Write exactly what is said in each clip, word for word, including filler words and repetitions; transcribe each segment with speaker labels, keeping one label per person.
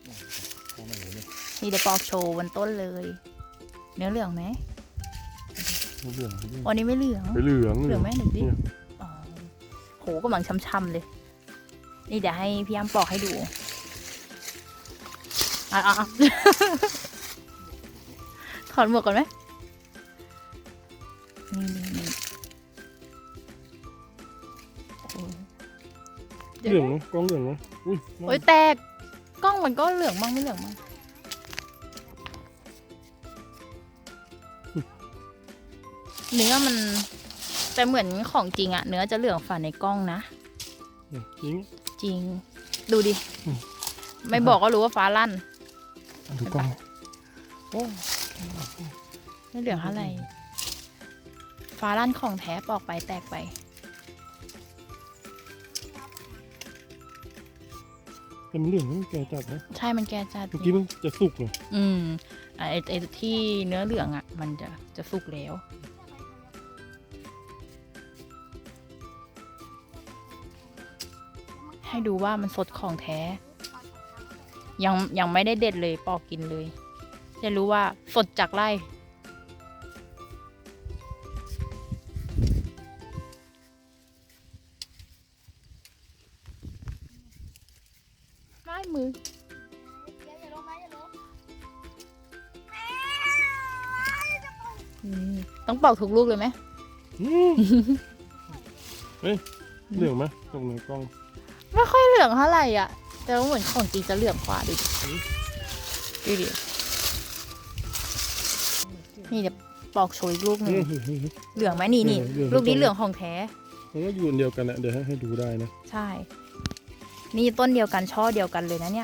Speaker 1: นี่เดี๋ยวปอกโชว์บนต้นเลยเนื้อเหลืองไหม
Speaker 2: เหลือง
Speaker 1: วันนี้ไม่เหลือง
Speaker 2: เหลือง
Speaker 1: เหลืองไหมหนึ่งดิอ๋อโหกำลังช้ำๆเลยนี่เดี๋ยวให้พี่อ้ำปอกให้ดูอ่ะอ่ะถอดหมวกก่อนไหมนี่นี่นี่
Speaker 2: เหลืองกล้องเหลืองนะอุ้ย
Speaker 1: โอ้ยแตกกล้องมันก็เหลืองมั่งไม่เหลืองมั่งเนื้อมันแต่เหมือนของจริงอะเนื้อจะเหลืองฝ่าในกล้องนะ
Speaker 2: จริง
Speaker 1: จริงดูดิไม่บอกก็รู้ว่าฟ้าลั่น
Speaker 2: ดูกล้องโอ้
Speaker 1: ไม่เหลืองอะไรฟ้าลั่นของแท้ปอกไปแตกไป
Speaker 2: แต่มันเหลืองมันแก่จัดนะ
Speaker 1: ใช่มันแก่จัด
Speaker 2: เมื่อกี้มันจะสุกเลย
Speaker 1: อืมไอไอที่เนื้อเหลืองอ่ะมันจะจะสุกแล้วให้ดูว่ามันสดของแท้ยังยังไม่ได้เด็ดเลยปอกกินเลยจะรู้ว่าสดจากไร่ไม่มือต้องปอกทุกลูกเลยไหม
Speaker 2: เฮ้ยเหลืองไหมตรงในกล้อง
Speaker 1: ไม่ค่อยเหลืองเท่าไหร่อ่ะแต่ว่าเหมือนของจริงจะเหลืองกว่าดูดิดูดินี่เดี๋ยวปอกโชยลูกหนึ่งเหลืองไหมนี่นี่ลูกนี้เหลืองของแท้
Speaker 2: มันก็อยู่เดียวกันนะเดี๋ยวให้ให้ดูได้นะ
Speaker 1: ใช่นี่ต้นเดียวกันช่อเดียวกันเลยนะเนี่ย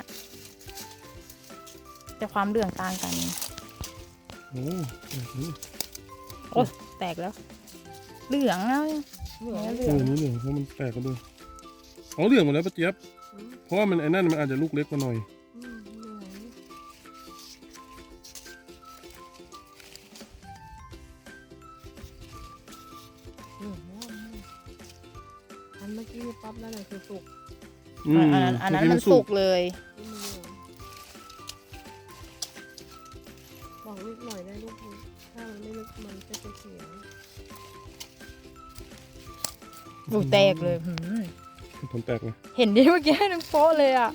Speaker 1: แต่ความเหลืองต่างกัน
Speaker 2: โอ้
Speaker 1: โอ้แตกแล้วเหลืองแล้ว
Speaker 2: เหลืองเหลืองนี่เหลืองเพราะมันแตกกันด้วยอ๋อเหลืองหมดแล้วป้าเจี๊ยบเพราะว่ามันไอ้นั่นมันอาจจะลูกเล็กกว่าหน่อย
Speaker 3: อันเมื่อกี้ปั๊บแล้วน่ะคือสุก
Speaker 1: อันนั้นอันนั้นมันสุกเลย
Speaker 3: บอกลูกหน่อยได้ลูกถ้ามันไม่ลึกมันจะเสีย
Speaker 1: ลูกแตกเลย
Speaker 2: ผลแตกเลย
Speaker 1: เห็นดิเมื่อกี้ให้น้ำโป๊ะเลยอ่ะ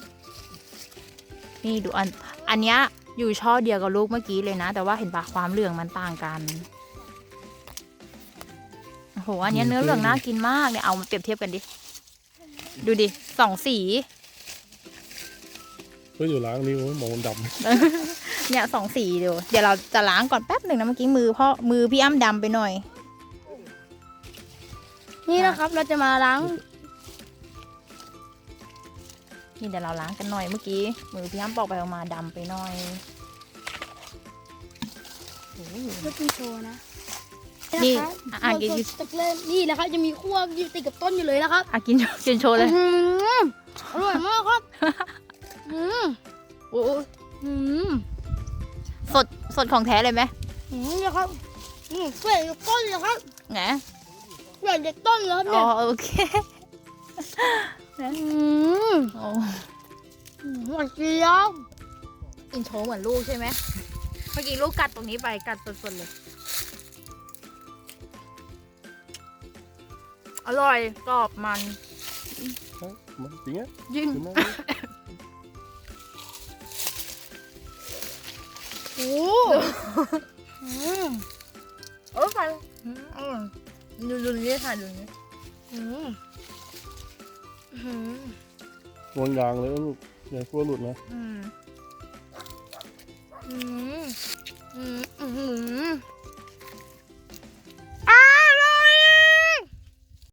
Speaker 1: นี่ดูอันอันเนี้ยอยู่ช่อเดียวกับลูกเมื่อกี้เลยนะแต่ว่าเห็นปะความเหลืองมันต่างกันโอ้โหอันนี้เนื้อเหลืองน่ากินมากเนี่ยเอามาเปรียบเทียบกันดิดูดิสองสี
Speaker 2: ก็อยู่ล้างนิ้วมองด
Speaker 1: ำเนี่ยสองสีเดี๋ยวเดี๋ยวเราจะล้างก่อนแป๊บหนึ่งนะเมื่อกี้มือพ่อมือพี่อ้ำดำไปหน่อย
Speaker 3: นี่นะครับเราจะมาล้าง
Speaker 1: นี่เดี๋ยวเราล้างกันหน่อยเมื่อกี้มือพี่อ้ำปอกไปออกมาดำไปหน่อย
Speaker 3: เพื่อกินโชว์นะ
Speaker 1: นี่อ่ะกิน
Speaker 3: ตะเกียบนี่แหละครับจะมีขั้วอยู่ติดกับต้นอยู่เลยนะครับ
Speaker 1: อ่ะกินกินโชว์เลย
Speaker 3: อร่อยมากครับ
Speaker 1: อืมโอ้อืมสดสดของแท้เลยไหม
Speaker 3: อืมนี่ครับอืมเปรี้ยวต้นเลยครับ
Speaker 1: ไง
Speaker 3: เปรี้ยวเด็กต้นเลยครับเนี่ย
Speaker 1: อ๋อโอเค
Speaker 3: อืม
Speaker 1: โอ้
Speaker 3: หวานเจี๊ยบ
Speaker 1: กินโชว์เหมือนลูกใช่ไหมเมื่อกี้ลูกกัดตรงนี้ไปกัดสดๆเลยอร่อยกรอบมัน
Speaker 2: จริงอ่ะ
Speaker 1: ยิ่ง
Speaker 3: โอ้
Speaker 1: เออฟันดูดูนี่ค่ะดูนี่
Speaker 2: วางยางเลยลูกอย่ากลัวหลุดนะ
Speaker 1: อืมอืม